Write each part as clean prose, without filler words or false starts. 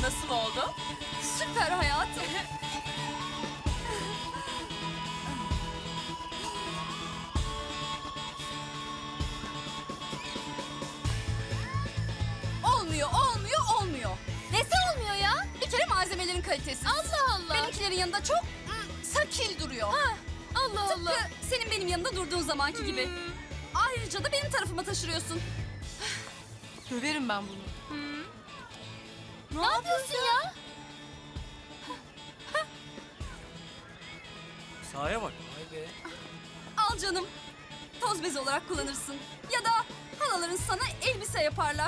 nasıl oldu? Süper hayatım. Olmuyor. Nesi olmuyor ya? Bir kere malzemelerin kalitesi. Allah Allah. Benimkilerin yanında çok sakil duruyor. Ha, Allah Allah. Tıpkı senin benim yanımda durduğun zamanki gibi. Ayrıca da benim tarafıma taşırıyorsun. Döverim ben bunu. Ne yapıyorsun ya? Sahaya bak. Vay be. Al canım. Toz bezi olarak kullanırsın. Ya da halaların sana elbise yaparlar.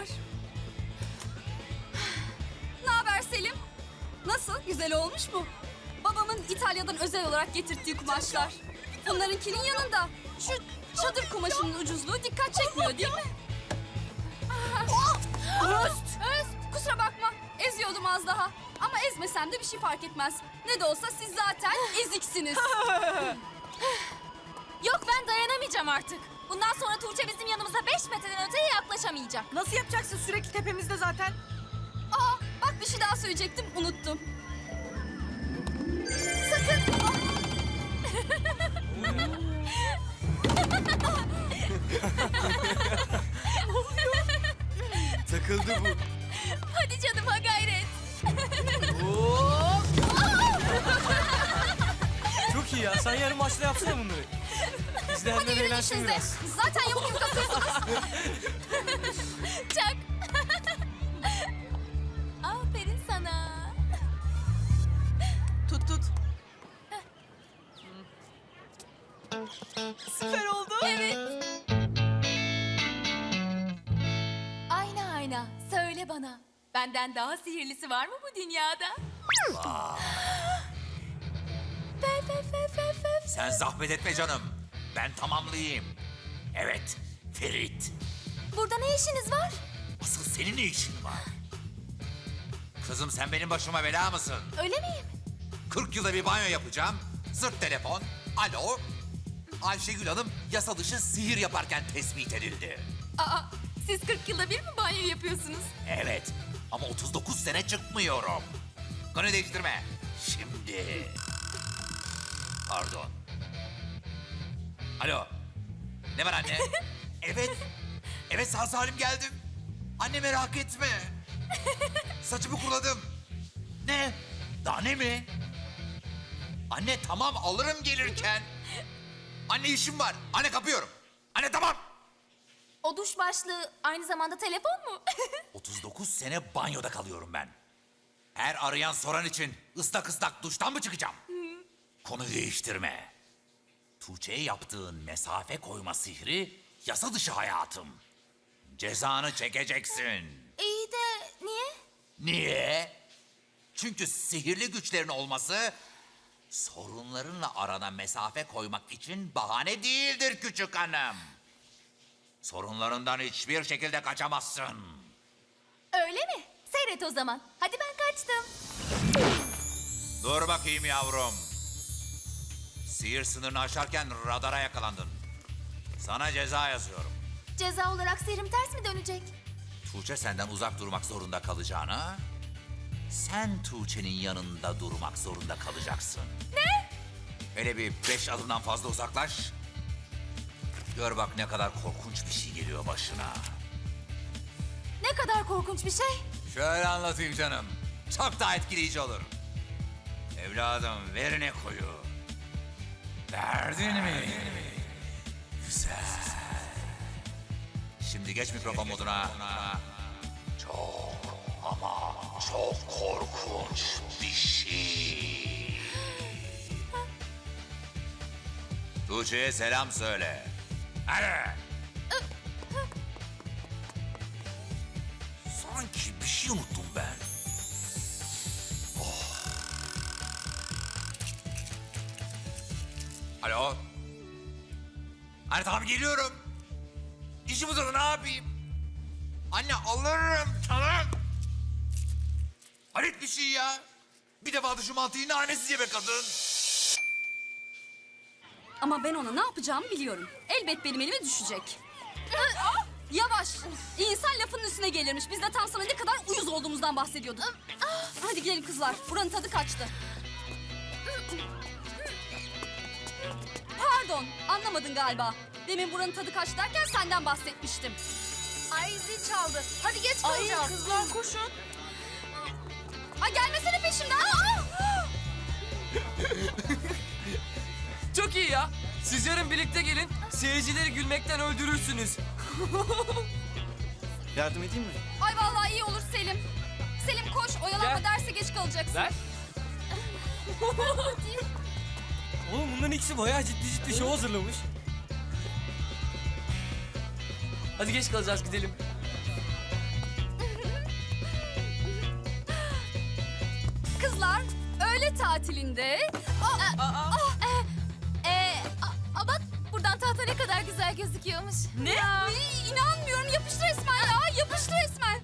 Ne haber Selim? Nasıl? Güzel olmuş mu? Babamın İtalya'dan özel olarak getirttiği kumaşlar. Bunlarınkinin yanında şu çadır kumaşının ucuzluğu dikkat çekmiyor değil mi? Öst! Kusura bakma. Eziyordum az daha. Ama ezmesem de bir şey fark etmez. Ne de olsa siz zaten eziksiniz. Yok ben dayanamayacağım artık. Bundan sonra Tuğçe bizim yanımıza 5 metreden öteye yaklaşamayacak. Nasıl yapacaksın? Sürekli tepemizde zaten. Aa, bak bir şey daha söyleyecektim, unuttum. Sakın! Takıldı bu. Hadi canım ha gayret. Oo! Çok iyi ya. Sen yarın maçta yapsana bunları. İzleyenler Yürüyün eğlensin işinize. biraz. Zaten yamuk yumuk atıyorsunuz. Çak. Aferin sana. Tut tut. Süper oldu. Evet. Ayna söyle bana. Benden daha sihirlisi var mı bu dünyada? Sen zahmet etme canım. Ben tamamlayayım. Evet, Ferit. Burada ne işiniz var? Asıl senin ne işin var? Kızım sen benim başıma bela mısın? Öyle miyim? 40 yılda bir banyo yapacağım. Zırt telefon. Alo. Ayşegül Hanım yasa dışı sihir yaparken tespit edildi. Aa, siz 40 yılda bir mi banyo yapıyorsunuz? Evet ama 39 sene çıkmıyorum. Konu değiştirme. Şimdi. Pardon. Alo. Ne var anne? Evet. Evet sağ salim geldim. Anne merak etme. Saçımı kuruladım. Ne? Daha ne mi? Anne tamam alırım gelirken. Anne işim var. Anne kapıyorum. Anne tamam. O duş başlığı aynı zamanda telefon mu? 39 sene banyoda kalıyorum ben. Her arayan soran için ıslak ıslak duştan mı çıkacağım? Konuyu değiştirme. Tuğçe'ye yaptığın mesafe koyma sihri yasa dışı hayatım. Cezanı çekeceksin. İyi de niye? Niye? Çünkü sihirli güçlerin olması sorunlarınla arana mesafe koymak için bahane değildir küçük hanım. Sorunlarından hiçbir şekilde kaçamazsın. Öyle mi? Seyret o zaman. Hadi ben kaçtım. Dur bakayım yavrum. Sihir sınırını aşarken radara yakalandın. Sana ceza yazıyorum. Ceza olarak sihrim ters mi dönecek? Tuğçe senden uzak durmak zorunda kalacağına... sen Tuğçe'nin yanında durmak zorunda kalacaksın. Ne? Hele bir 5 adımdan fazla uzaklaş. Gör bak ne kadar korkunç bir şey geliyor başına. Ne kadar korkunç bir şey. Şöyle anlatayım canım. Çok daha etkileyici olur. Evladım ver ne koyu. Verdin mi? Güzel. Şimdi geç mikrofon moduna. Çok ama çok korkunç bir şey. Tuğçe'ye selam söyle. Hadi. Sanki bir şey unuttum ben. Alo. Anne tamam geliyorum. İşim uzadı ne yapayım? Anne alırım tamam. Hayret bir şey ya. Bir defa da şu mantıyı nanesiz ye be kadın. Ama ben ona ne yapacağımı biliyorum. Elbet benim elime düşecek. Yavaş. İnsan lafının üstüne gelirmiş. Biz de tam sana ne kadar uyuz olduğumuzdan bahsediyorduk. Hadi gidelim kızlar. Buranın tadı kaçtı. Pardon, anlamadın galiba. Demin buranın tadı kaçtı derken senden bahsetmiştim. Ay zil çaldı. Hadi geç Ay kalacağız. kızlar koşun. Ay gelmesene peşimden. Çok iyi ya. Siz yarın birlikte gelin. Seyircileri gülmekten öldürürsünüz. Yardım edeyim mi? Ay vallahi iyi olur Selim. Selim koş, oyalanma Gel. derse geç kalacaksın. Ver. Oğlum bunların ikisi bayağı ciddi şov hazırlamış. Hadi geç kalacağız, gidelim. Kızlar, öğle tatilinde... Bak buradan tahta ne kadar güzel gözüküyormuş. Ne? İnanmıyorum, yapıştı resmen ya, yapıştı resmen.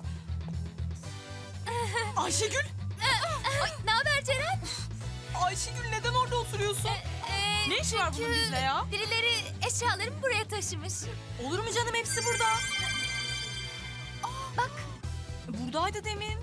Ayşegül. Ne haber Ceren? Ayşegül neden orada oturuyorsun? Ne işi var bunun bizle ya? Birileri eşyalarımı buraya taşımış. Olur mu canım, hepsi burada. Bak. Buradaydı demin.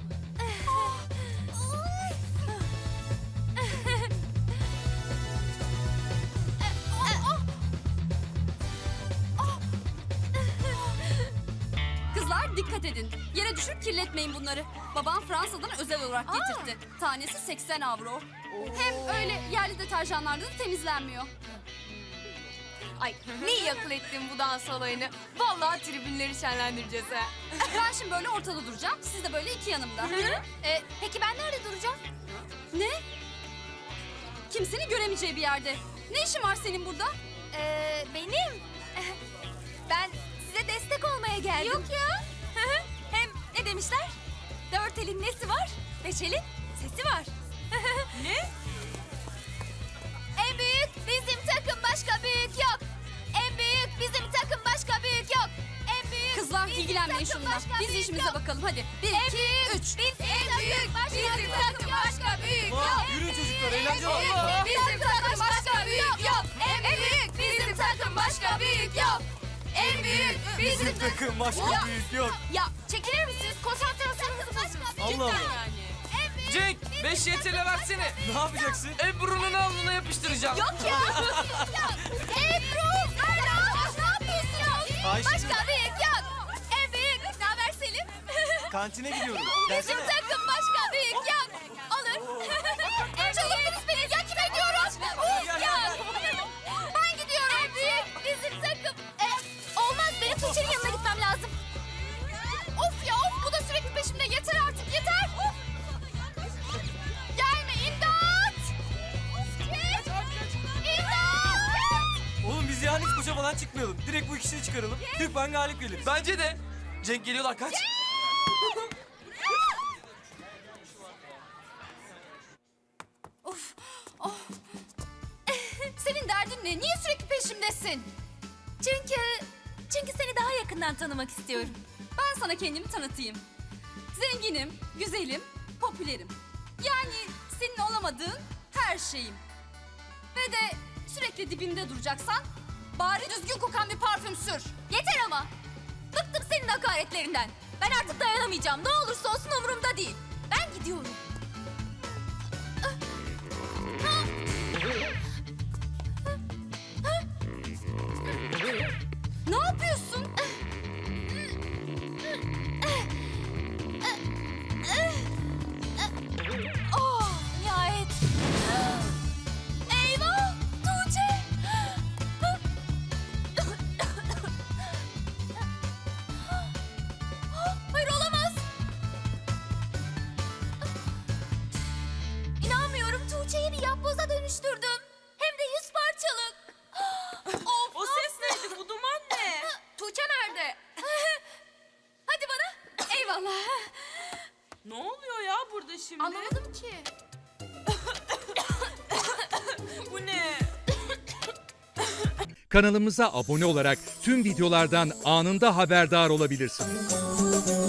Kızlar dikkat edin. Yere düşür kirletmeyin bunları. Babam Fransa'dan özel olarak getirtti. Tanesi 80 avro. Hem öyle yerli deterjanlarda da temizlenmiyor. Ay ne iyi akıl ettin bu dans olayını. Vallahi tribünleri şenlendireceğiz ha. Ben şimdi böyle ortada duracağım. Siz de böyle iki yanımda. Peki ben nerede duracağım? Ne? Kimsenin göremeyeceği bir yerde. Ne işin var senin burada? Benim. Ben size destek olmaya geldim. Yok ya. Hem ne demişler? Dört elin nesi var? Beş elin sesi var. Ne? En büyük bizim takım, başka büyük yok. En büyük bizim takım, başka büyük yok. En büyük Kızlar bizim ilgilenmeyin takım, şununla. başka Biz büyük işimize yok. bakalım hadi. Bir, En iki, büyük üç. bizim takım, başka büyük yok. Yürüyün çocuklar, eğlence var. Bizim takım başka büyük yok. En büyük bizim takım başka büyük yok. En büyük bizim takım. Takım başka büyük yok. Ya çekilir misiniz? Konsantrasyonunuzu bozuyorsunuz. Allah Allah. Yani. Cenk, 5 yetele versene. Ne yapacaksın? Ebru'nun alnına yapıştıracağım. Yok ya. Ebru, Erla, ne yapıyorsun? Ayşegül. Başka büyük yok. En büyük. Ne haber Selim? Kantine gidiyorum. Bizim Gelsene. takım başka büyük yok. Olur. Çalındınız beni. Ya kime diyoruz? Uf ya. Ben gidiyorum. En büyük bizim takım. Olmaz. Benim Tuğçe'nin yanına gitmem lazım. Of ya of. Bu da sürekli peşimde. Yeter artık. Yeter. Of. Gelme imdat. İmdat. Oğlum biz yani hiç koşa falan çıkmayalım. Direkt bu ikisini çıkaralım. Türkmen galip gelir. Bence de. Cenk geliyorlar, kaç. Of. Oh. Senin derdin ne? Niye sürekli peşimdesin? Çünkü seni daha yakından tanımak istiyorum. Ben sana kendimi tanıtayım. Zenginim, güzelim, popülerim. Yani senin olamadığın her şeyim. Ve de sürekli dibimde duracaksan bari düzgün kokan bir parfüm sür. Yeter ama. Bıktım senin hakaretlerinden. Ben artık dayanamayacağım. Ne olursa olsun umurumda değil. Ben gidiyorum. Ne yapıyorsun? Oh, nihayet. Eyvah! Tuğçe! Hayır olamaz. İnanmıyorum, Tuğçe'yi bir yapboza dönüştürdüm. Hem de 100 parçalık. Of! O ses neydi? Bu duman ne? Tuğçe nerede? Hadi bana. Eyvallah. Ne oluyor ya burada şimdi? Anlamadım ki. Bu ne? Kanalımıza abone olarak tüm videolardan anında haberdar olabilirsiniz.